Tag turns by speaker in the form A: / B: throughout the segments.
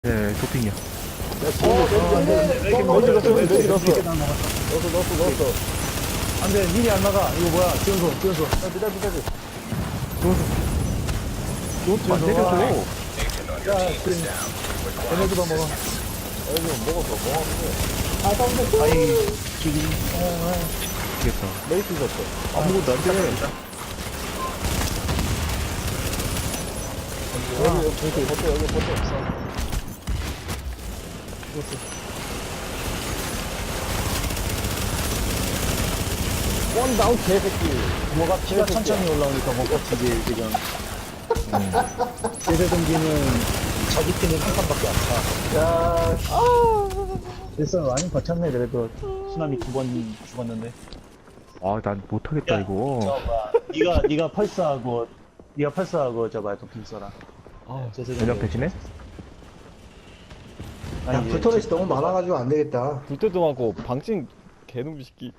A: 네, 도핑이야.
B: 넣었어. 안 돼, 힐이 안 나가. 이거 뭐야? 지원소. 기다려.
A: 안 때려줘.
B: 야, 에너지만 먹어. 먹었어.
A: 아이, 지금. 되겠다.
B: 메이트 줬어.
A: 아무것도 안 돼.
B: 여기 버터 없어. 원 다운 개새끼. 뭐가 피가 천천히 올라오니까 못 버티지 지금. 제세 동기는 자기 팀은 한 칸밖에 안 차. 야, 됐어. 많이 버텼네. 그래도 수남이 2번 죽었는데.
A: 아, 난 못하겠다, 이거.
B: 네가 펄스하고 저 말 도핑 써라. 제세
A: 전력 대신에?
C: 야, 불터렛이 너무 많아가지고 안 되겠다.
D: 불때도 많고 방진 개놈 새끼.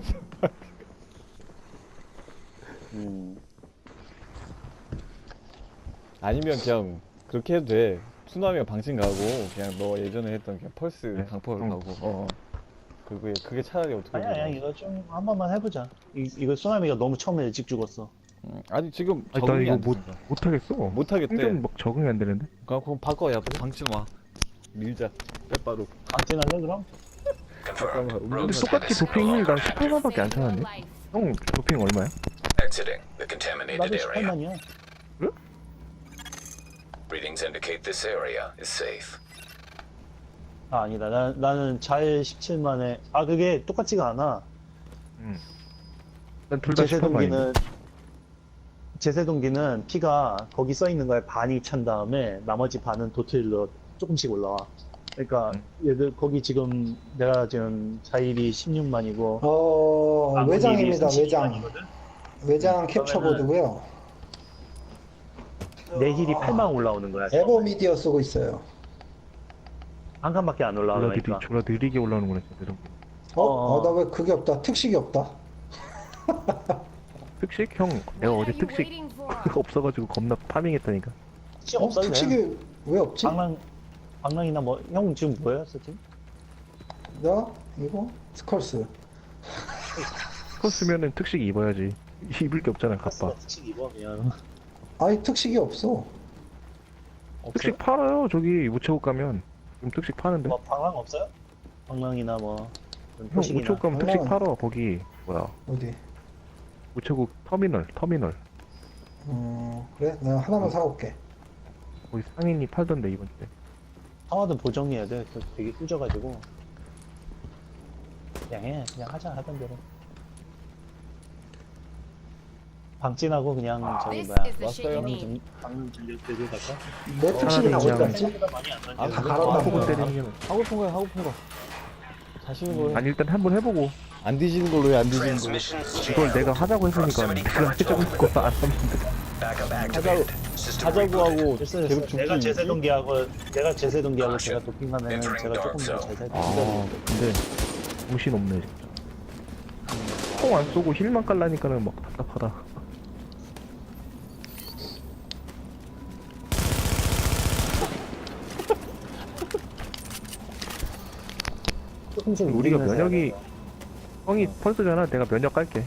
D: 아니면 그냥 그렇게 해도 돼. 수남이가 방진 가고 그냥 너 예전에 했던 그냥 펄스
A: 네.
D: 강펄 가고. 그게 차라리 어떻게
B: 아니야, 이거 좀 한 번만 해보자. 이거 소나미가 너무 처음에 일찍 죽었어.
D: 아니 지금
A: 아니, 나
D: 적응이
A: 이거
D: 안 된다.
A: 못하겠어.
D: 못하겠대.
A: 생존 막 적응이 안 되는데?
D: 그럼 바꿔. 야 방진 와. 밀자. 빼빠로.
B: 안진할래 그럼?
A: 근데 똑같이 도핑이 난 18만밖에 안 차는데? 형, 도핑 얼마야?
E: Exiting the contaminated
B: 나도
E: area.
B: 18만이야.
E: Readings indicate this area is safe.
B: 아, 아니다. 나는 잘 17만에. 아, 그게 똑같지가 않아.
A: 난 둘 다 18만인데.
B: 제세동기는 피가 거기 써 있는 거에 반이 찬 다음에 나머지 반은 도트일로 조금씩 올라와. 그러니까 얘들 거기 지금 내가 지금 자일이 16만이고
C: 외장입니다, 외장 캡처보드고요.
B: 내 힐이 8만 올라오는 거야.
C: 에버 미디어 쓰고 있어요.
B: 한 칸밖에 안 올라가니까.
A: 졸라 느리게 올라오는구나, 진짜.
B: 어.
C: 나 왜 그게 없다. 특식이 없다.
A: 특식? 형, 내가 어제 특식 없어가지고 겁나 파밍했다니까.
B: 없어도 돼.
C: 특식이 왜 없지?
B: 방랑이나 뭐, 형 지금 뭐야, 세팅?
C: 나 이거 스컬스.
A: 그거 쓰면은 특식 입어야지. 입을 게 없잖아, 갑바.
B: 특식 입으면.
C: 아니 특식이 없어.
A: 특식 팔아요, 저기 우체국 가면. 지금 특식 파는데.
B: 뭐, 방랑 없어요? 방랑이나 뭐.
A: 형,
B: 표식이나.
A: 우체국 가면 특식 팔아, 거기. 뭐야.
C: 어디?
A: 우체국 터미널.
C: 그래? 내가 하나만 사올게.
A: 거기 상인이 팔던데, 이번 주에.
B: 하와도 보정해야 돼. 되게 꾸져가지고. 그냥 하자, 하던 대로. 방진하고 그냥 저기 뭐야. 방금 전력 들고 갈까?
C: 내 특식이 다 어디
A: 그냥-
C: 갔지?
B: 많이 안 던져.
C: 다
D: 그래?
C: 갈았나
A: 보고
C: 보다.
A: 때리는 게.
D: 하고 싶은 거야. 하고 싶은 거. 자시는 거야.
A: 아니, 일단 한번 해보고.
D: 안 뒤지는 걸로 해. 안 뒤지는 걸로.
A: 이걸 내가 하자고 했으니까 내가 해주고 거안 하면 돼.
D: 하자고 하고
B: 됐어,
D: 계속
B: 됐어.
D: 죽기.
B: 내가 제세동기하고 제가 도핑하면 제가 조금 더 잘 살.
A: 아, 근데 정신 없네, 진짜. 총 안 쏘고 힐만 깔라니까는 막 답답하다.
B: 조금씩
A: 우리가
B: 이기면서
A: 면역이
B: 해야 돼.
A: 형이 펄스잖아. 내가 면역 깔게.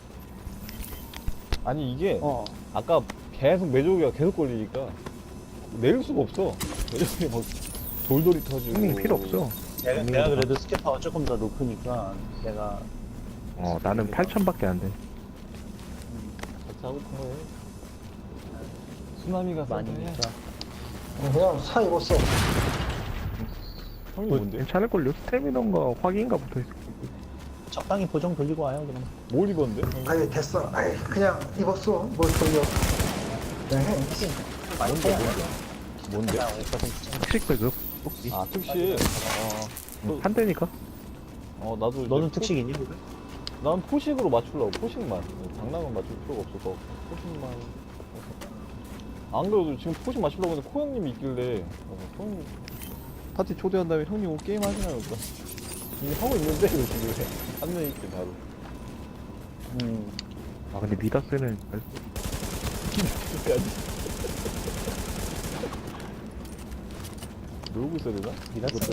D: 아니 이게
B: 아까
D: 계속 매조기가 계속 걸리니까 내릴 수가 없어. 매조기 막 돌돌이 터지고.
A: 형님 필요 없어.
B: 내가 그래도 스캐파가 조금 더 높으니까 내가
A: 나는 8천밖에 안 돼.
D: 같이 하고 싶은 거예요. 수나미가
B: 많이니까.
C: 그냥 사 입었어.
D: 형이 뭔데?
A: 괜찮을걸요? 스태미너인가 확인가 붙어있어.
B: 적당히 보정 돌리고 와요 그럼.
D: 뭘 입었는데?
C: 아니 됐어. 아이 그냥 입었어. 뭘 돌려. 그냥 해.
D: 뭔데?
A: 특식 배급. 뽑기.
D: 아 특시.
A: 한대니까.
D: 나도 이제
B: 너는 특식이니?
D: 난 포식으로 맞추려고. 포식만. 장난은 맞출 필요가 없어서 포식만. 안 그래도 지금 포식 맞추려고 했는데 코 형님이 있길래 형 파티 초대한 다음에 형님 오늘 게임 하시나요? 그러니까 이미 하고 있는데 지금 한 명 있게 바로.
A: 아, 근데 미다스는 잘
D: 해야지. 놀고 있어야 되나?
B: 이랬어.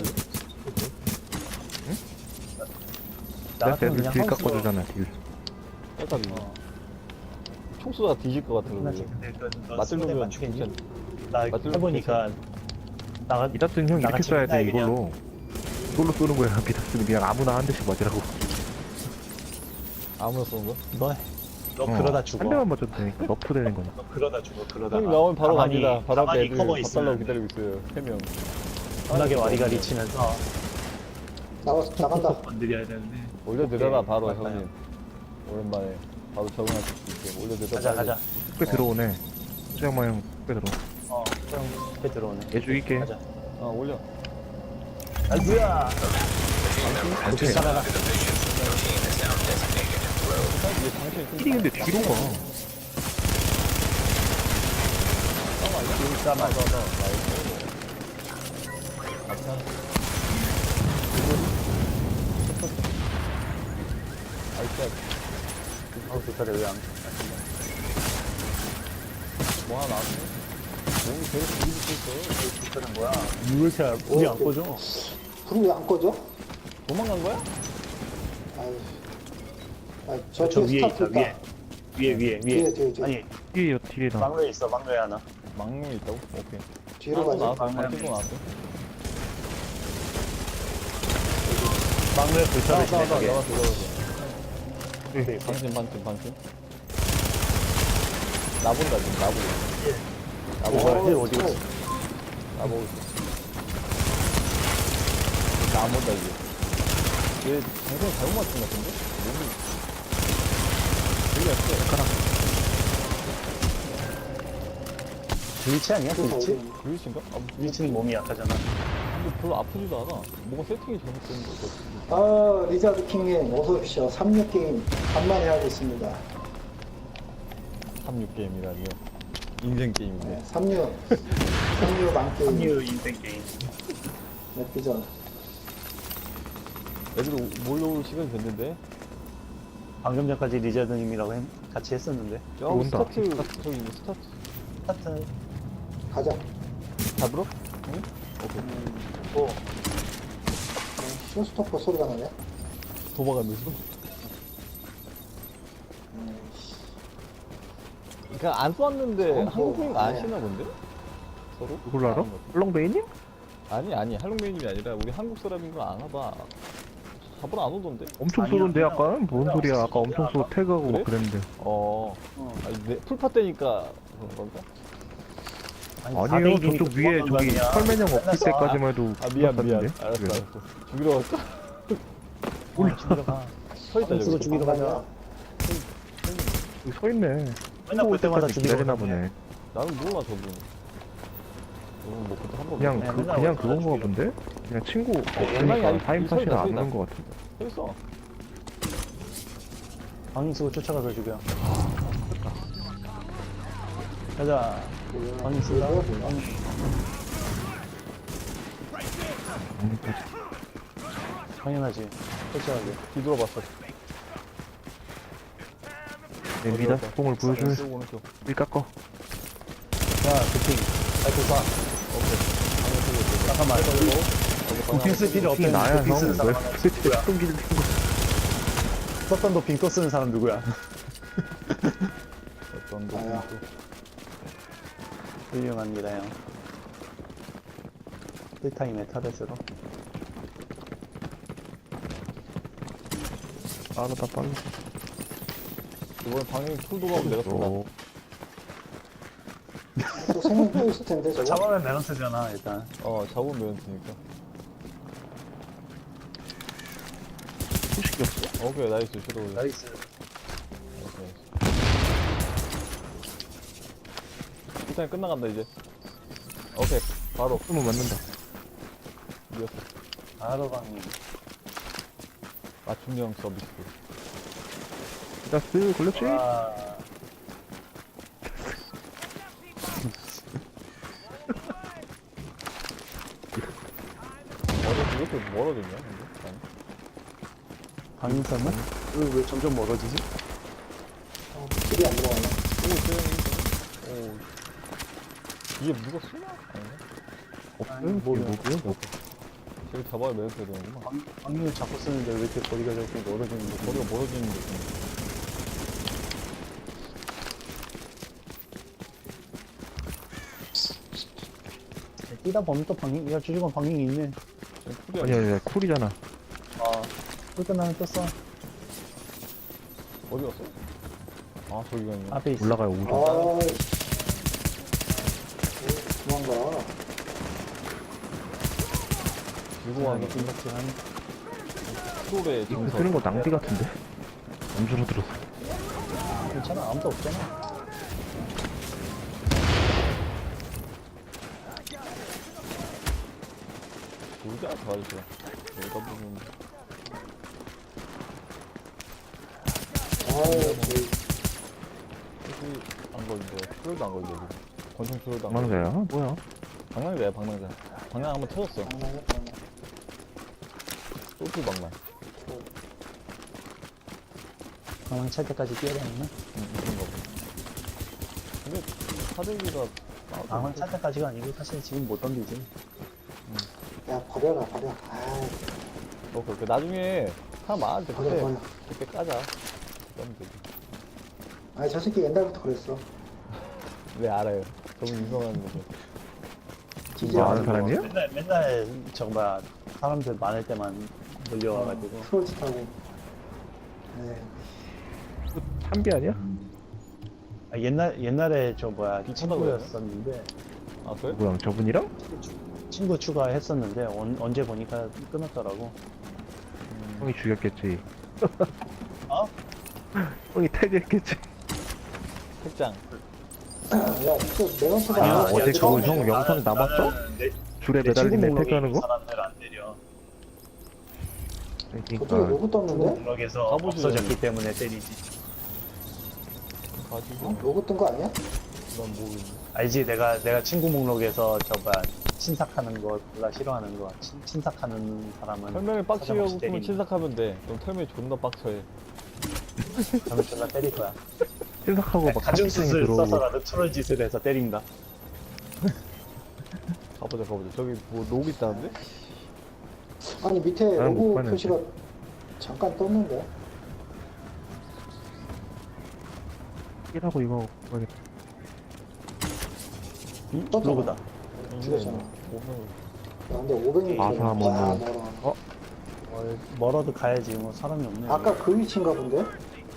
A: 내가
B: 나 같으면
A: 애들
B: 그냥
A: 딜
B: 하우스로
A: 깎아주잖아 딜.
D: 약간 총 쏘다 뒤질 것 같아.
B: 끝났지. 근데 너
D: 맞들
B: 상대
D: 놈은
B: 맞추겠니?
D: 진짜
B: 나
D: 맞들
B: 해보니까 나가
A: 미다스는 형 이렇게
B: 나같이
A: 쏴야 돼
B: 맨날
A: 이걸로. 이걸로 쏘는 거야 미다스는 그냥 아무나 한 대씩 맞으라고.
D: 아무나 쏘는 거?
B: 너 그러다
A: 한
B: 죽어.
A: 대만 맞춰도 되니까 너프 되는 거냐.
B: 너 그러다 죽어. 그러다.
D: 형님 나오면 바로 갑니다. 바로 앞에
B: 가만히
D: 애들
B: 커버
D: 밥
B: 있으면
D: 달라고 기다리고 있어요. 3명.
B: 편하게 와리가리 치면서
C: 나간다.
B: 건드려야 되는데.
D: 올려드려라
B: 오케이,
D: 바로
B: 맞아요.
D: 형님. 오랜만에 바로 적응할 수 있게 올려드려라.
B: 가자.
A: 꽤 들어오네. 수장마 형꽤 들어.
B: 좀 앞에 들어오네.
A: 얘 죽일게.
B: 가자.
D: 올려.
B: 아이고야.
A: 오케이.
B: 살아라.
D: 이게 당신이 좀
A: 힐이 근데 뒤로 가.
B: 싸마. 좋다. 왜안
D: 뭐 하나 나왔네? 몸이 계속 뒤집고 있어.
B: 좋다는 거야? 이걸 잘 우리 안 꺼져?
C: 불이 왜 안 꺼져?
D: 도망간 거야?
C: 아유. 저
B: 저
C: 뒤에
B: 위에
C: 스타트
B: 있다.
C: 있다.
B: 위에.
C: 뒤에.
B: 아니
A: 뒤에 딜이다.
B: 막루에 있어. 막루에 하나.
D: 망룡이 있다고? 오케이.
C: 뒤로
D: 또
C: 가자.
D: 나왔어. 방치도 나왔어.
B: 막루에 불타를
D: 나왔어.
B: 시작하게.
A: 네.
D: 방침. 나본다 지금 나보고.
B: 뭐야? 힐 어디 갔어?
D: 나보고 있어. 나안 본다 이제. 얘 방송 잘못 맞춘 것 같은데? 몸이 되게 약해.
B: 블리치 아니야? 블리치?
D: 그릇인가?
B: 블리치는 몸이 약하잖아.
D: 근데 별로 아프지도 않아. 뭔가 세팅이 잘못된 거 같은데.
C: 리자드 킹님 어서오십시오. 36게임 간만에 하고 있습니다.
D: 36게임이라니요. 인생 게임인데.
C: 36 만게임.
B: 합류 인생 게임.
C: 맵비전.
D: 애들 몰려올 시간이 됐는데.
B: 방금 전까지 리자드님이라고 같이 했었는데.
D: 저
A: 온다.
D: 스타트, 저기 있는 스타트.
B: 하여튼
C: 가자.
D: 잡으러? 응? 오케이.
B: 뭐
C: 쇼스토퍼 소리가 나네.
D: 도망가면서. 그러니까 안 쐈는데 한국인 아시나 본데? 서로?
A: 누굴 알아? 헐렁베이님?
D: 아니 할롱메이님이 아니라 우리 한국 사람인 걸 아나 봐. 잡으러 안 오던데?
A: 엄청
B: 아니야,
A: 쏘던데
B: 그냥
A: 아까? 뭔 소리야 아까 엄청 쏘 태그하고
D: 그래?
A: 막 그랬는데.
D: 아니 풀파 때니까 그런 건가?
A: 아니에요 저쪽 위에 저기 설매형 없을 때까지만 해도
D: 미안.
A: 불렀었는데?
D: 알았어.
A: 그래서.
D: 죽이러 갈까?
B: 몰라 죽이러 가.
D: 서있다
B: 쓰고
D: 저기.
B: 죽이러 가자.
A: 여기 서 있네.
B: 맨날 볼 때마다 죽이러
A: 기다리나
B: 가네.
A: 보네.
D: 나는 몰라 저분. 저분 뭐 그때 한번
A: 그냥
B: 네,
A: 그
B: 맨날
A: 그냥
B: 와서
A: 그건가
B: 죽이러
A: 본데? 그냥 친구
D: 연락이
A: 없으니까
D: 아니-
A: 타임팟이나
D: 있어요,
A: 안
D: 있어요.
A: 오는 것 같은데.
D: 했어.
B: 방인 쓰고 쫓아가서 죽여. 가자. 방인 쓰라. 당연하지. 쫓아가게.
D: 뒤돌아봤어.
A: 내 미다스 뽕을 보여줄
D: 쓰고 오른쪽.
A: 일 깎어.
B: 야, 도핑. 아이고, 쏴. 잠깐만. 도핑 쓸 필요
A: 이
B: 없다는
A: 나야
B: 도핑 쓰는
A: 형.
B: 사람
A: 왜
B: 하나
A: 스위치
B: 누구야?
A: 똥기를 든 거야?
B: 썼던 도핑 또 쓰는 사람 누구야?
D: 어떤
C: 나야.
D: 거
B: 훌륭합니다, 형. 1타임에 타겟으로.
A: 빠르다 빨라.
D: 이번에 방향이 풀 돌아오면 내가 쏜다.
A: 어,
C: 또 생명 또 있을 텐데 저거.
B: 잡아면 메런트잖아, 일단.
D: 잡으면 메런트니까.
A: 소식이 없어?
D: 오케이, 나이스. 슈로.
B: 나이스.
D: 오케이. 일단 끝나간다, 이제. 오케이, 바로.
A: 쏘면 맞는다.
D: 이겼어.
B: 바로 방인.
D: 맞춤형 서비스.
A: 미다스 걸렸지?
B: 와.
D: 이렇게 멀어졌냐, 근데? 아니.
B: 방인 쐈나? 왜 점점 멀어지지?
C: 길이 안 들어가네.
D: 오. 이게 누가 쏘나? 아닌가?
B: 뭐야.
D: 쟤를 잡아야 매듭해야 되는구만.
B: 방금을 자꾸 쓰는데 왜 이렇게 거리가 자꾸 멀어지는 거지?
D: 거리가 멀어지는 느낌.
B: 뛰다 보면 또 방향, 야, 주주관 방향이 있네.
D: 쿨이
A: 아니 아니 쿨이잖아.
B: 아, 또 끝나면 떴어.
D: 어디 갔어? 아, 저기가 있네.
B: 앞에 있어.
A: 올라가요 오죠.
C: 아, 도망가.
D: 들고 가는
B: 김박지한.
D: 프로의
A: 이거
D: 정석.
A: 쓰는 거 낭비 같은데? 엄주로 들었어.
B: 괜찮아, 아무도 없잖아.
D: 모르지 않아, 저 아저씨가. 여기다 보면.
C: 아유,
D: 혹시 안 걸린대. 출혈도 안 걸린대, 지금. 권총 출혈도 안 걸린대.
A: 방망자야? 뭐야?
D: 방랑자야, 방랑자. 방랑 한번 터졌어. 소프 방랑.
B: 가만 찰 때까지 뛰어야 되나?
D: 그런 거 봐. 근데, 사대기가.
B: 가만 찰 때까지가 아니고 사실 지금 못 던지지.
C: 야, 버려라, 버려. 아이,
D: 그 나중에 사람 많을 때
C: 버려,
D: 그때,
C: 버려.
D: 그때 까자. 그러면 되지.
C: 아니, 저 새끼 옛날부터 그랬어.
D: 네, 알아요. 저분 유명한 거죠.
C: 지지
A: 뭐 아는
C: 않아.
A: 사람이야?
B: 맨날 정말 사람들 많을 때만 몰려와가지고.
C: 트롤짓 하고. 네.
A: 참비 아니야?
B: 아, 옛날에 저 뭐야
D: 미쳤다고
B: 친구였었는데
D: 아, 그래?
A: 누구랑 저분이랑?
B: 친구 추가했었는데 언제 보니까 끊었더라고.
A: 형이 죽였겠지.
B: 어?
A: 형이 탈퇴했겠지.
D: 책장.
C: 야, 진짜 내가
B: 아니야,
C: 보다
A: 어제
B: 처음에
A: 그거 형 영상 남았어?
B: 내
A: 줄에
B: 친구
A: 매달리네
B: 목록에
A: 태그하는
B: 있는
A: 거?
B: 사람들 안 때려.
C: 그쪽에
A: 그러니까
C: 로고 떴는데?
B: 목록에서
D: 가보시죠.
B: 없어졌기 때문에 때리지.
D: 가지고.
C: 어? 로고 뜬 거 아니야?
D: 난 모르겠네.
B: 알지? 내가 친구 목록에서 저 뭐야 친삭하는 거 몰라 싫어하는 거 친삭하는 사람은
D: 설명을 빡치게 하고
B: 사정없이
D: 그러면
B: 때리는
D: 친삭하면 돼. 그럼 털명이 존나 빡쳐해.
B: 그러면 존나 때릴 거야.
A: 신삭하고 막
B: 가중
A: 탑승이
B: 수술
A: 들어오고.
B: 써서라도 트롤 짓을 해서 때린다.
D: 가보자. 저기 뭐 녹 있다는데?
C: 아니, 밑에
A: 나는 못
C: 로고
A: 봤는데.
C: 표시가 잠깐 떴는데?
A: 이라고 이거 뭐겠다.
C: 떴잖아.
B: 로고다.
C: 죽었잖아.
D: 오면
C: 야, 근데 500이
A: 아사 뭐.
B: 멀어도 가야지 뭐 사람이 없네.
C: 아까 그 위치인가 본데?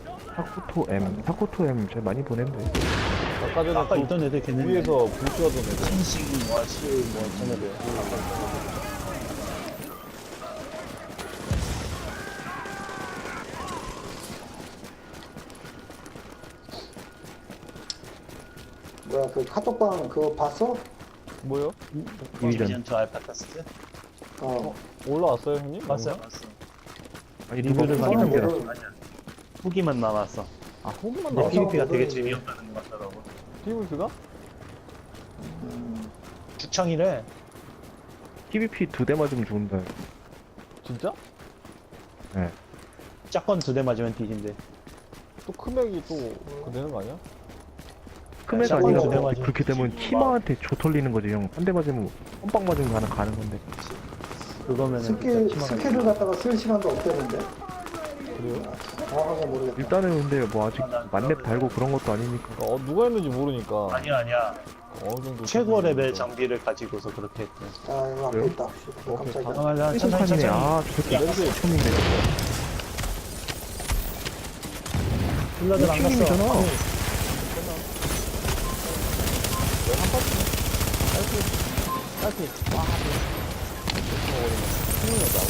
A: 타코토 M 제일 많이 보낸대.
D: 아까 전에
B: 아까
D: 그
B: 있던 애들 걔네
D: 위에서 불쇼하던 애들.
B: 신식 뭐시 뭐 쟤네들.
C: 뭐야, 그 카톡방 그거 봤어?
D: 뭐요?
A: 디비전.
B: 2 알파 테스트?
C: 어.
D: 올라왔어요, 형님?
B: 봤어요?
D: 뭔가?
B: 봤어.
A: 아니
B: 리뷰를
A: 리뷰를
B: 많이
A: 많이
C: 사람
A: 남겨놨어.
C: 모드-
B: 후기만 나왔어.
D: 아, 호기만
B: 근데
D: 나왔어?
B: PVP가 되게
C: 모드는
B: 재미없다는 것 같더라고.
D: PVP가?
B: 주청이래.
A: PVP 2대 맞으면 죽는다.
D: 진짜?
A: 네.
B: 짝건 2대 맞으면 뒤진대.
D: 또 크맥이 또 그거 되는 거 아니야?
A: 크메가
B: 샷건
A: 아니라
B: 두대
A: 뭐
B: 맞으면
A: 그렇게 되면
B: 뒤지고
A: 팀한테 조 털리는 거지 형. 한 대 맞으면 뻔빵 맞으면 가는 건데.
B: 그거면은
C: 스킬을 갖다가 쓸 시간도 없대는데?
D: 그래요?
C: 정확하게 모르겠다.
A: 일단은 근데 뭐 아직
B: 난
A: 만렙 달고 그런 것도 아니니까.
D: 누가 했는지 모르니까.
B: 아니야.
D: 어느 정도.
B: 최고 레벨
D: 수준이니까.
B: 장비를 가지고서 그렇게 했대.
C: 아, 이거 앞에
A: 그래요?
C: 있다.
D: 오케이,
C: 깜짝이야.
B: 잠깐만, 천천히,
A: 회전판이네.
B: 천천히.
A: 아, 저 새끼
D: 렌즈
A: 처음인데.
B: 힐러들 안 갔어.
A: 팀이잖아.
D: 한 파트네. 딸피. 와, 흥분했다.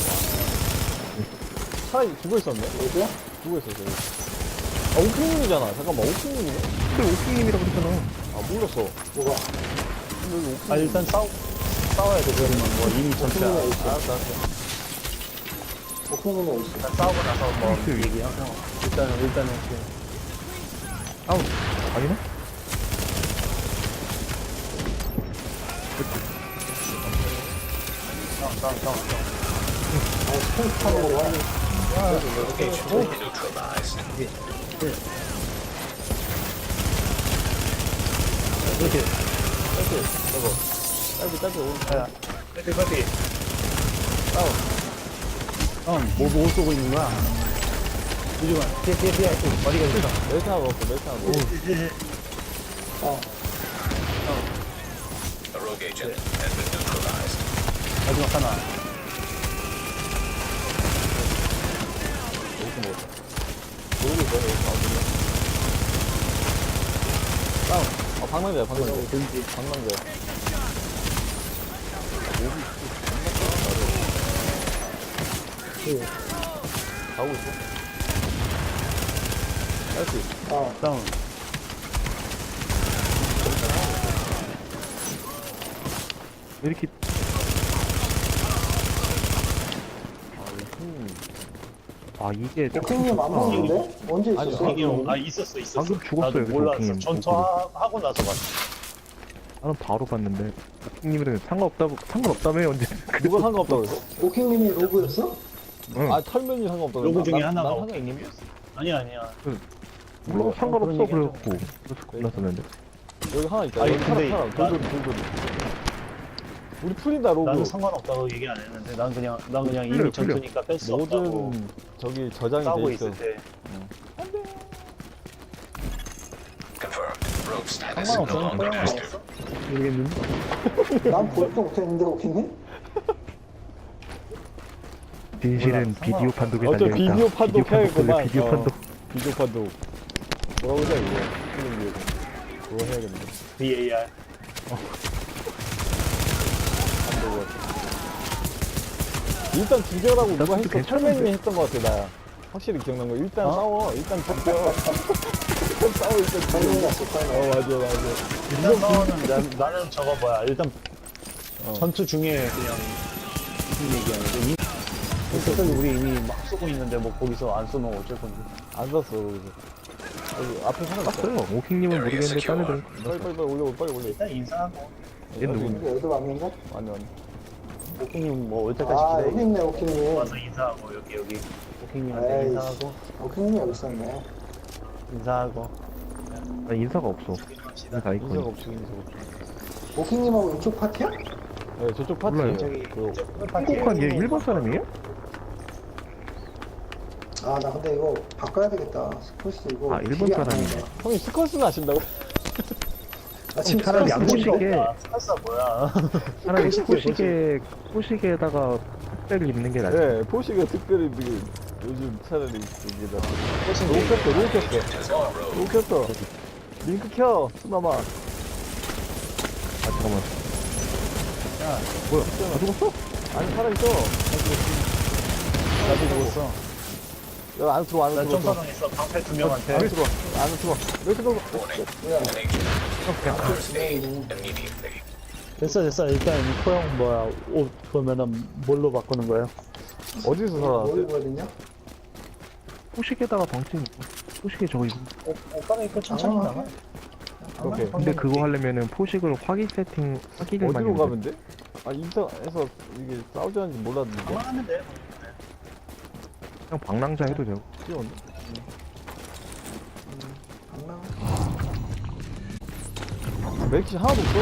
D: 차라리 죽어있었네?
C: 어디야?
D: 죽어있었어. 아, 오킹님이잖아. 잠깐만, 오킹님이네?
A: 그래, 오킹님이라고 그랬잖아.
D: 아, 몰랐어.
C: 뭐가?
D: 근데 여기 오킹.
B: 아, 일단 싸워야 돼, 그러면. 뭐, 이미 전투야.
C: 오킹님이 있어.
D: 알았어.
C: 오킹님이 있어.
B: 일단 싸우고 나서 뭐,
A: 있어요.
B: 얘기하고. 일단은,
A: 아우, 아니네?
B: 싸워.
C: 아, 스페이스 타는 거 와.
E: Neutralized.
B: 이렇게.
D: 짧게, 오른쪽.
B: 커피. 뭐 쏘고 있는 거야? 유주만, 피해. 어디가 있어?
D: 멜탄하고 없어, 멜탄하고.
E: A rogue agent has been neutralized.
B: 마지막 하나.
D: 여기서 먹었어. 모르고 있어, 여기서 나오거든요. 다운. 방망자야, 방망자. 방망자야. 가고 있어. 나이스.
B: 다운.
A: 왜 이렇게 아 이게
C: 오킹님 안 먹는데? 언제
D: 아니,
C: 있었어?
B: 있었어.
A: 방금 죽었어요,
B: 나도
A: 그
B: 몰랐어.
A: 도킹님.
B: 전투하고 나서 봤어.
A: 나는 바로 봤는데 님이랑 상관없다며 언제
D: 누가 상관없다고 그랬어?
C: 오킹님이 로그였어?
A: 응.
D: 아, 털면이 상관없다고
B: 로고
D: 그랬나?
B: 중에
D: 난
B: 하나가
D: 상관-
B: 오킹님이었어. 아니야.
A: 뭐 상관없어
B: 그런 얘기
A: 그래갖고 그래서 골랐었는데
D: 여기 하나 있다.
B: 아니,
D: 여기
B: 근데
D: 사람, 돌돌이. 우리 풀이다, 로그.
B: 나는 상관없다고 얘기 안 했는데, 난 그냥 이미
A: 풀려.
B: 전투니까 뺄 수 없다고
D: 모든 저기 저장이
B: 싸우고
D: 돼 있어.
B: 있을 때.
E: Confirmed. Rogue status no
B: 상관없어.
E: longer
B: 소용
E: active.
B: 없어.
A: 모르겠는데
C: 난 볼도 못했는데 오킹님?
A: 진실은
B: 몰라,
A: 비디오 판독에
D: 어차피
A: 달려있다.
D: 비디오 판독 해야겠구만.
A: 비디오
D: 어.
A: 판독.
D: 비디오 판독. 뭐라고 그래, 이거. 필름 위에서. 그거 해야겠네.
B: VAR.
D: 일단 죽여라고 누가 했어.
A: 괜찮은데?
D: 철맨님이 했던 것 같아, 나. 확실히 기억난 거. 일단 싸워. 일단 죽여. 일단 싸워, 일단
C: 빨리
D: 죽여.
C: 갔어 빨리.
D: 맞아.
B: 일단 싸우는 나는 저거 뭐야. 일단
D: 어.
B: 전투 중에 그냥 무슨 얘기하는데 그때까지 우리 이미 막 쏘고 있는데 뭐 거기서 안 쏘면 어쩔 건데.
D: 안 샀어, 거기서. 여기 앞에 사람 있어.
A: 땄어요. 오킹님은 모르겠는데 딴 애들
D: 빨리 올려, 빨리 올려.
B: 일단 인사하고
A: 얘 누군데?
C: 근데 애들 왔는데?
D: 아니.
B: 오킹님 뭐 올 때까지
C: 아 여기
B: 기다리고
C: 있네 오킹님.
B: 와서 인사하고 여기 오킹님한테
C: 에이씨.
B: 인사하고
C: 오킹님이 여기 있었네.
B: 인사하고
A: 아, 인사가 없어.
B: 합시다.
A: 인사
D: 인사가
A: 아이콘.
D: 없지, 인사가 없지.
C: 오킹님하고 이쪽 파티야?
D: 네, 저쪽 파티.
A: 몰라요.
B: 저기
D: 그,
A: 한국한 얘 일본 사람이에요?
C: 아 나 근데 이거 바꿔야 되겠다. 스포츠 이거.
A: 아, 일본
C: 길이 안
A: 사람이네.
C: 나온다.
D: 형님 스쿼스는 아신다고?
C: 아 지금
A: 차라리
C: 스포츠
A: 양보시게
B: 스카사 뭐야?
A: 차라리 포식에다가 흑백을 입는 게 낫지.
D: 네, 포시가 특별히 되게 요즘 차라리 여기다. 로우 켰어. 로우 켰어. 링크 켜, 수나마.
A: 아 잠깐만. 뭐야? 다 죽었어?
D: 아니, 살아있어.
B: 나도 죽었어.
D: 여기 안에 들어와, 안에
B: 나
D: 들어와.
B: 점사당했어. 방패 2명한테.
D: 안에 들어와, 안에 들어와. 왜 이렇게 들어와?
E: An agent requires aid immediately.
B: 됐어. 일단 코형 뭐야 옷 보면은 뭘로 바꾸는 거예요?
D: 어디서
C: 뭐
D: 살아났어요?
C: 입어야 되냐?
A: 포식에다가 방침 포식에 저거 입.
B: 오빠는 이거 천천히
C: 아,
B: 나가.
D: 오케이.
A: 근데 그거 하려면은 포식을 확인을 많이
D: 어디로
A: 해야
D: 가면 돼? 아, 인사해서 이게 싸우자는지 몰랐는데.
B: 하면 돼.
A: 그냥 방랑자 해도 되고.
D: 귀여운데?
C: 안 나와.
D: 맥시 하나도 없어.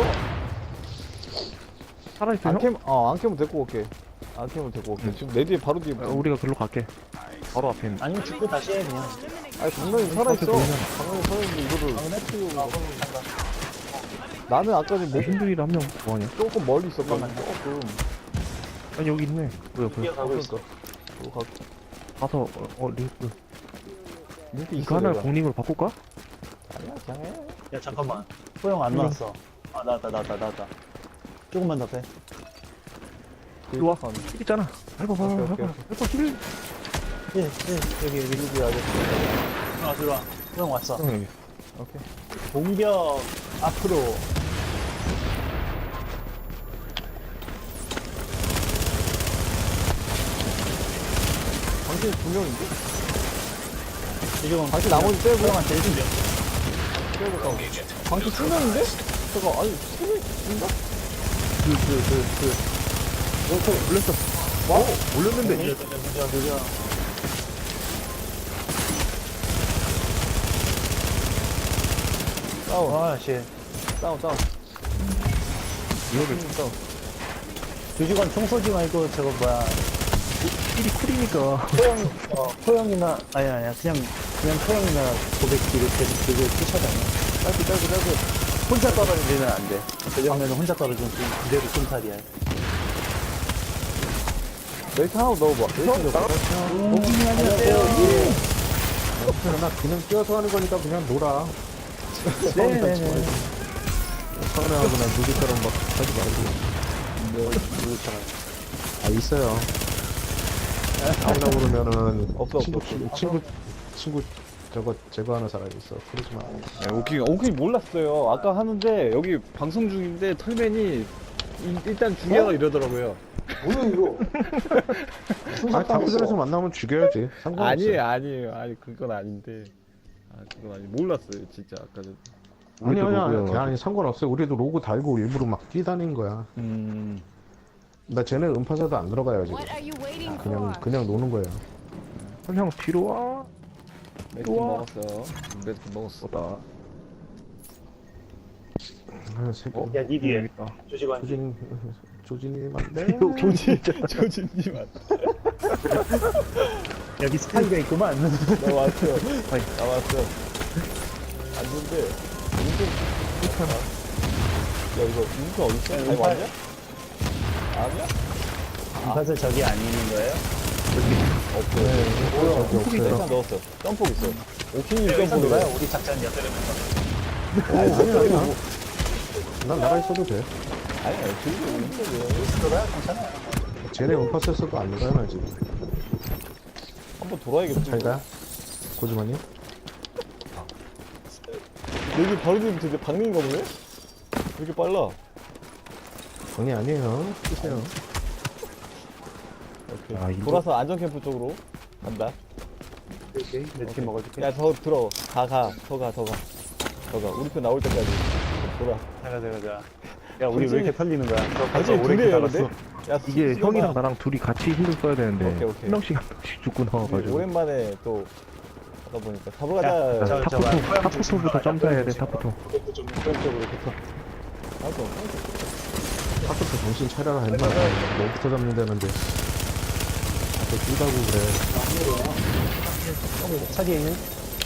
A: 살아있어요?
D: 안 캐면 데리고 올게. 안 캐면 데리고 올게. 지금 내 뒤에 바로 뒤에.
A: 우리가 글로 갈게. 바로 앞에 있는.
B: 아니면 죽고 다시 해 그냥.
D: 아니, 강남이 살아있어. 강남이 살아있는데 이거를. 나는 아까 전에 뭐,
A: 신들이를 한명 뭐하냐?
D: 조금 멀리 있었거든. 조금.
A: 아니 여기 있네. 뭐야?
B: 뛰어가고 있어.
D: 그거 가,
A: 가서 링크.
D: 링크
A: 이거
D: 있어.
A: 하나
D: 내가.
A: 공링을 바꿀까?
D: 아니야, 그냥 해.
B: 야 잠깐만. 코형 안 나왔어. 아 나왔다. 조금만 더 빼.
A: 이리 와.
D: 아,
A: 힐 있잖아. 해봐.
D: 오케이, 오케이.
A: 해봐 힐.
B: 여기.
D: 여기 아저씨.
B: 들어와. 코형 왔어.
A: 형 여기.
D: 오케이.
B: 공격 앞으로.
D: 당신 두 명인데?
B: 지금
D: 당신 나머지 빼고.
B: 코형한테 1등
D: 빼고 싸워.
E: Rogue agent.
D: 당신 세 명인데? 잠깐, 아니, 세 명인가?
A: 올렸어. 와우. 올렸는데.
B: 느려.
D: 싸워.
B: 아 씨.
D: 싸워.
A: 이거를
D: 싸워.
B: 주지관 총 쏘지 말고 저거 뭐야
A: 일이 쿨이니까.
B: 포영이나 아니야 그냥 포영이나 고백기 이렇게 그걸 쫓아다녀. 짧게. 혼자 떨어지면 안 돼. 왜냐면 혼자 떨어지면 그대로 쏜살이야.
D: 멜트 하나 넣어봐. 멜트 넣어봐.
F: 나 그냥 뛰어서 하는 거니까 그냥 놀아.
B: 네네네.
F: 서운해하고 난 누구처럼 막 하지 말고. 아, 있어요. 하려고 그러면은
D: 없어,
F: 친구 저거 제거하는 사람이 있어. 그러지 마.
D: 오킹이 몰랐어요. 아까 하는데 여기 방송 중인데 털맨이 일단 죽여라 이러더라고요.
C: 뭐야 이거?
F: 아, 다크전에서 만나면 죽여야지. 상관없어.
D: 아니 그건 아닌데. 그건 아니 몰랐어요 진짜 아까 전.
F: 아니 상관없어요. 우리도 로고 달고 일부러 막 뛰다닌 거야. 나 쟤네 음파사도 안 들어가요 지금.
G: What are you waiting for?
F: 그냥 노는 거예요.
A: 형 뒤로 와.
D: 멜트 먹었어. 멜트 먹었어.
A: 보다.
F: 아, 새끼.
B: 야, 니 뒤에.
A: 있다.
B: 조지관.
F: 조진이 맞네.
D: 조진님
B: 여기 스파이가 있구만.
D: 나 왔어. 나 왔어. 안는데 인증 못하나? 야 이거 인증 어딨어? 아니 왔냐? 아니야?
B: 사실 저기 아니는 거예요?
D: 없어. 일단 넣었어. 점폭 있어. 오킹이
B: 여기서
D: 점폭
B: 놀아요? 우리 작전이야.
F: 아니야. 난 나가 있어도 돼.
D: 아니야 지금 인증이야.
B: 여기서 놀아요? 괜찮아요.
F: 쟤네 음파사에서도 안 나가요 나 지금.
D: 한번 돌아야겠지.
F: 잘 가. 고지만이.
D: 여기 바로 뒤에 되게 박는가 보네? 왜 이렇게 빨라?
F: 정이 아니에요. 뛰세요.
D: 오케이.
A: 아, 이거-
D: 돌아서 안전캠프 쪽으로 간다.
B: 오케이. 몇팀 먹어줄게.
D: 야, 더 들어. 더 가. 우리 편 나올 때까지. 돌아.
B: 가자. 야, 우리 왜 이렇게 털리는 거야?
D: 당신
B: 오래
D: 둘이에요,
B: 기다렸어.
D: 근데? 야,
A: 이게
D: 수고가
A: 형이랑 나랑 둘이 같이 힐을 써야 되는데
D: 오케이.
A: 한 명씩 죽고
D: 우리
A: 나와가지고.
D: 오랜만에 또 하다 보니까 잡으러
B: 야,
D: 가자.
A: 탑부터 점사해야 돼. 탑부터.
B: 오른쪽으로 붙어.
D: 알았어.
F: 아까부터 정신 차려라 했나? 너부터 잡는다는데. 또 뛰다고 그래.
B: 차기에 있는?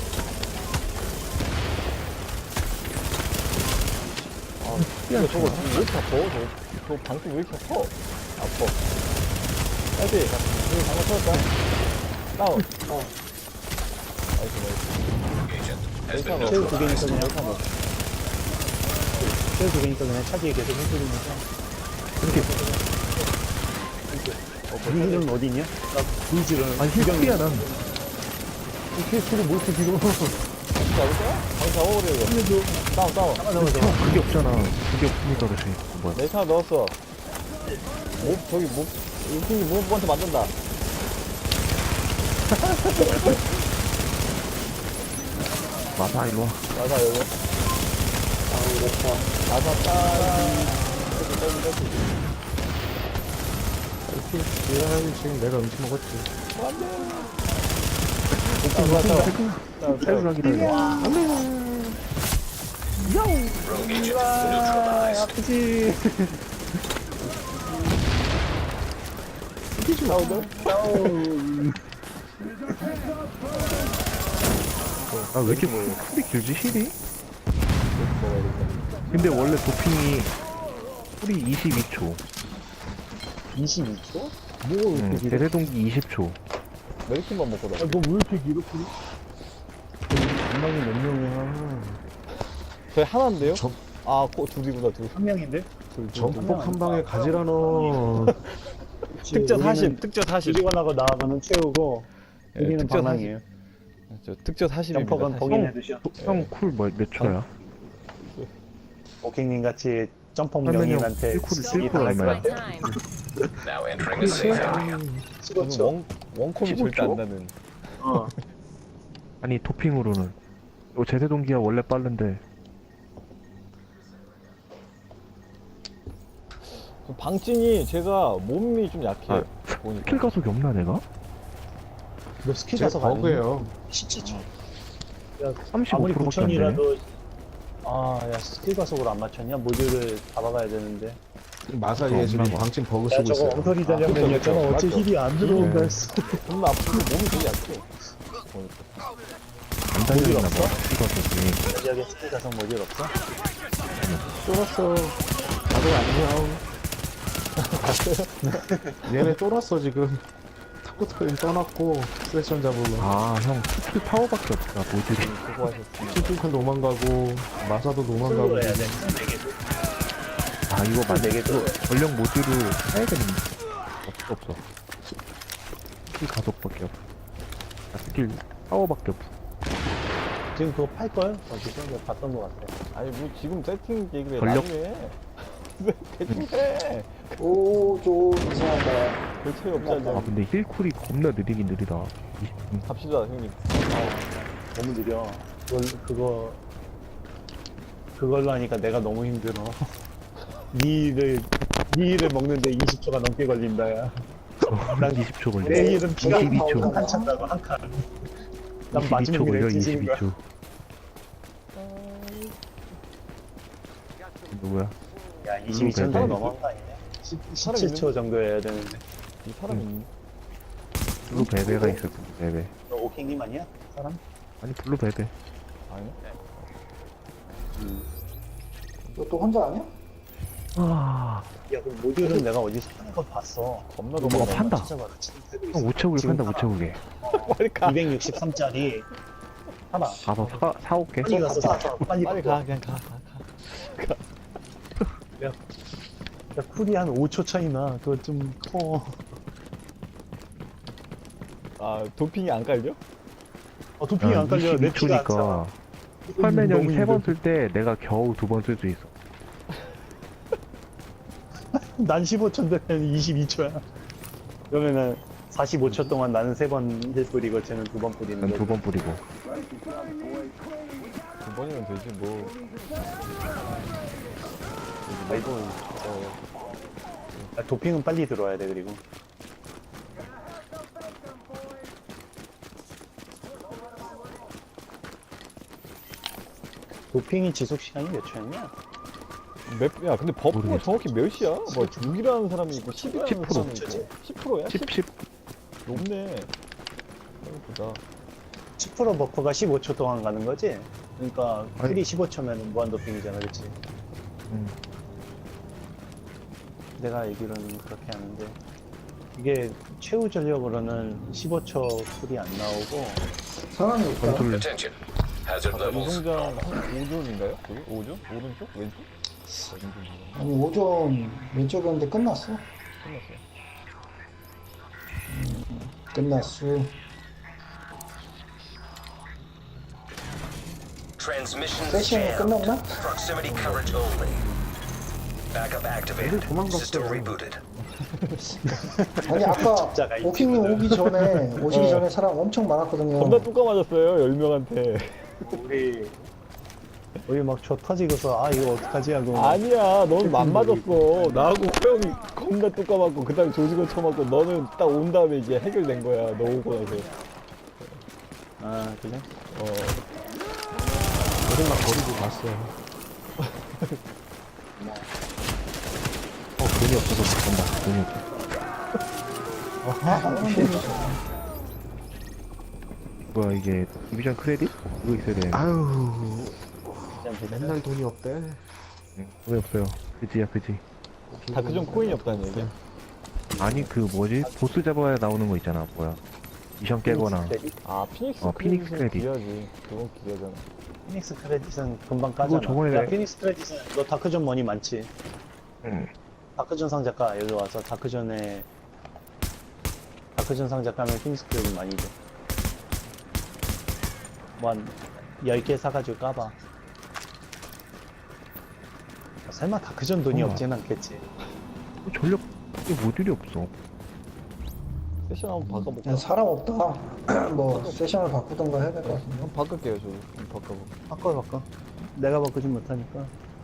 D: 야, 저거 왜 이렇게 아파? 저 방금 왜 이렇게 아파? 아파. 빨리. 여기 방금 터졌다. 다운. 나이스.
B: 최후 두 개니까 그냥 하고. 최후 두 개니까 그냥 차기에 계속 흔들리면서. 니는 어디 있냐? 나 불지를.
A: 아니 힐이야 난.
B: 캐스를 못 뒤로.
D: 잡을까? 방금 잡아버려, 이거. 다운.
A: 형 그게 없잖아. 그게 없으니까 그렇지. 뭐야?
D: 내 차 넣었어. 인fin이 무한테 만든다.
A: 맞아 일로 와.
D: 나사, 여기. 나사,
F: 이렇게 해야지 지금 내가 음식 먹었지.
A: 탈출하기다 이거.
E: Rogue agent neutralized.
B: 아프지.
A: 아 왜 이렇게 풀이 길지 힐이? 근데 원래 도핑이 풀이 22초.
B: 22초?
A: 대대동기 20초.
D: 메리킨만 먹고 나.
B: 너왜 이렇게 길어?
F: 분명히 몇 명이야.
D: 저희 하나인데요?
F: 저-
D: 둘이구나, 둘.
B: 한 명인데?
F: 전폭 한 방에 가지라 너.
D: 특전 40, 특전 40.
B: 주지관하고 나하고는 채우고
D: 예,
B: 우리는
D: 특전
B: 방랑이에요.
D: 저 특전 40입니다.
B: 점퍼건 봉인 해두셔.
A: 형쿨 몇 초야?
B: 오킹님 같이 점퍼
A: 설명이
B: 명인한테
A: 실쿨
B: 당할 것
A: 얼마야?
B: 같아.
G: Time.
E: Now entering a safe area.
D: 저는 원콤이 절대 안 나는.
B: 어.
A: 아니 도핑으로는. 제대동기가 원래 빠른데.
D: 방진이 제가 몸이 좀 약해.
A: 아,
D: 보니까.
A: 스킬 가속이 없나 내가?
B: 너 스킬
F: 제
B: 가서
F: 버그예요.
B: 17초.
A: 35%밖에
B: 아무리
A: 안 되네.
B: 9천이라도 야 스킬 가속으로 안 맞췄냐? 모듈을 잡아가야 되는데
F: 마사에 지금
A: 없나 봐.
F: 방침 버그
B: 야
F: 쓰고
B: 저거
F: 있어요.
B: 엉터리 전략맨이었잖아.
D: 그쵸,
B: 어째
D: 맞죠.
B: 힐이 안 들어온다
A: 네.
B: 했어.
D: 존나 아프고 몸이 되게 약해.
A: 안 달렸나 봐.
B: 없어?
A: 찍어서
B: 여기에 스킬 가서 모듈 없어?
F: 쫄았어. 다들 안녕. 얘네 쫄았어 지금. 탁구 타임 떠났고 세션 잡으러.
A: 아형 스킬 파워밖에 없다 모듈이.
D: 수고하셨습니다.
F: 칠뚝한 도망가고 마사도 도망가고.
B: 풀로 해야 돼.
A: 아 이거 맞아.
B: 네개
A: 이거 전력 모듈을 사야겠는데. 없어. 스킬 가속밖에 없어. 아, 스킬 파워밖에 없어.
B: 지금 그거 팔걸? 어디서? 내가 봤던 것 같아.
D: 아니 뭐 지금 세팅 얘기를 해.
A: 전력-
D: 나중에 대충 해.
C: 좀 이상하다.
D: 별 차이 없지 않냐.
A: 아 근데 힐쿨이 겁나 느리긴 느리다.
D: 갑시다 형님.
B: 너무 느려. 그걸로 하니까 내가 너무 힘들어. 니 일을 먹는데 20초가 넘게 걸린다, 야.
A: 난 20초 걸려.
B: 내 일은 피가
A: 22초.
B: 한 칸 찬다고, 한 칸. 난
A: 22초
B: 마지막에
A: 걸려.
B: 뒤지는 거야.
A: 22초. 누구야?
B: 야, 22초
A: 배배.
B: 넘어간 거 아니냐? 17초 정도 해야 되는데.
D: 이 사람이 있니?
A: 블루 베베가 있어. 블루 베베.
B: 너 오킹님 아니야? 사람?
A: 아니 블루 베베.
D: 아니야?
C: 너 또 혼자 아니야?
A: 아,
B: 야, 그 모듈은 내가 어디서 파는 거 봤어.
D: 겁나
A: 이거
D: 도망가.
A: 판다.
B: 찾아봐라. 지금 되고 있어.
A: 형 우체국에
B: 지금
A: 판다 우체국에.
D: 빨리 가.
B: 263짜리 하나.
A: 가서 사올게.
B: 빨리 가서 사. 빨리
D: 빨리
B: 가.
D: 가. 그냥 가.
B: 야, 쿨이 한 5초 차이나. 그거 좀 커.
D: 아 도핑이 안 깔려?
B: 도핑이 안 깔려. 내 피가 안 차.
A: 22초니까 펄맨 형이
B: 너무
A: 3번
B: 힘들-
A: 쓸 때 내가 겨우 2번 쓸 수 있어.
B: 난 15초인데 22초야. 그러면은 45초 동안 나는 3번 힐 뿌리고 쟤는 2번 뿌리는
A: 난
B: 거.
A: 2번 뿌리고.
D: 두 번이면 되지 뭐.
B: 아이고. 도핑은 빨리 들어와야 돼. 그리고 도핑이 지속 시간이 몇 초였냐?
D: 야 근데 버프가
A: 모르겠어.
D: 정확히 몇이야? 뭐 6이라는 사람이 있고 10이라는
A: 10%.
D: 사람이 있고 10%야?
A: 10.
D: 높네. 보다.
B: 10% 버프가 15초 동안 가는 거지? 그러니까
A: 아니.
B: 쿨이 15초면 무한 도핑이잖아, 그치? 내가 알기로는 그렇게 하는데 이게 최후 전력으로는 15초 쿨이 안 나오고
C: 사람이 없다.
A: 건술
E: Attention. Hazard levels.
D: 이동장 한 5존인가요? 저기? 5존? 오른쪽? 왼쪽?
C: 아니 5점 왼쪽이었는데 끝났어.
D: 끝났어요.
C: 끝났어.
E: Transmission
C: 세션이
E: jammed.
C: 끝났나?
E: Proximity coverage only. Backup activated.
F: 도망갔어.
E: System rebooted.
C: 아니 아까
B: 진짜가
C: 오킹님 오기 전에 오시기 전에 사람 엄청 많았거든요.
D: 겁나 뚜까 맞았어요 10명한테.
B: 우리 막 저 터지고서 아 이거 어떡하지 하고
D: 아니야 너는 안 맞았어. 나하고 호영이 겁나 뚜까 맞고 그 다음에 조직원 쳐맞고 너는 딱 온 다음에 이제 해결된 거야. 너 오고 나서.
B: 아 그래?
F: 어디 막 버리고 갔어요.
A: 돈이 없어서 못 간다. 돈이 없어. 뭐야 이게 디비전 크레딧? 이거 있어야 돼.
F: 아유
B: 그냥
F: 맨날 돈이 없대.
A: 왜 없어요? 그지야 그지.
D: 다크존 코인이 없다는 얘기야?
A: 아니 그 뭐지? 보스 잡아야 나오는 거 있잖아. 뭐야? 미션 깨거나.
D: 아 피닉스
A: 피닉스
D: 크레딧은
A: 크레딧.
D: 귀하지. 그건 기대잖아.
B: 피닉스 크레딧은 금방 까잖아.
A: 저번에
B: 야 피닉스 크레딧은 너 다크존 머니 많지?
A: 응.
B: 다크존 상자가 여기 와서 다크존 상자 까면 피닉스 크레딧 많이 줘. 뭐 한 10개 사가지고 까봐. 설마 다크존 돈이
A: 우와.
B: 없진 않겠지.
A: 전력 모듈이 없어.
D: 세션 한번 바꿔볼까?
C: 그냥 사람 없다. 뭐 세션을 바꾸던가 해야 될 것 같은데.
D: 한번 바꿀게요 저도. 한번 바꿔볼까?
B: 바꿔. 내가 바꾸진 못하니까.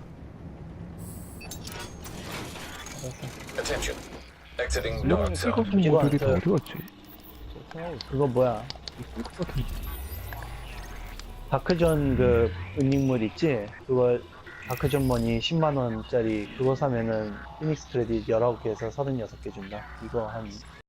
E: Attention. Exiting
A: 전력
E: North Zone.
A: 찍어서 모듈이 다 어디 갔지?
D: 생각하고 있어.
B: 그거 뭐야?
A: 있을 것 같은데.
B: 다크존 그 은닉물 있지? 그걸 다크 존머니 10만원짜리 그거 사면은 피닉스 크레딧 19개에서 36개 준다. 이거 한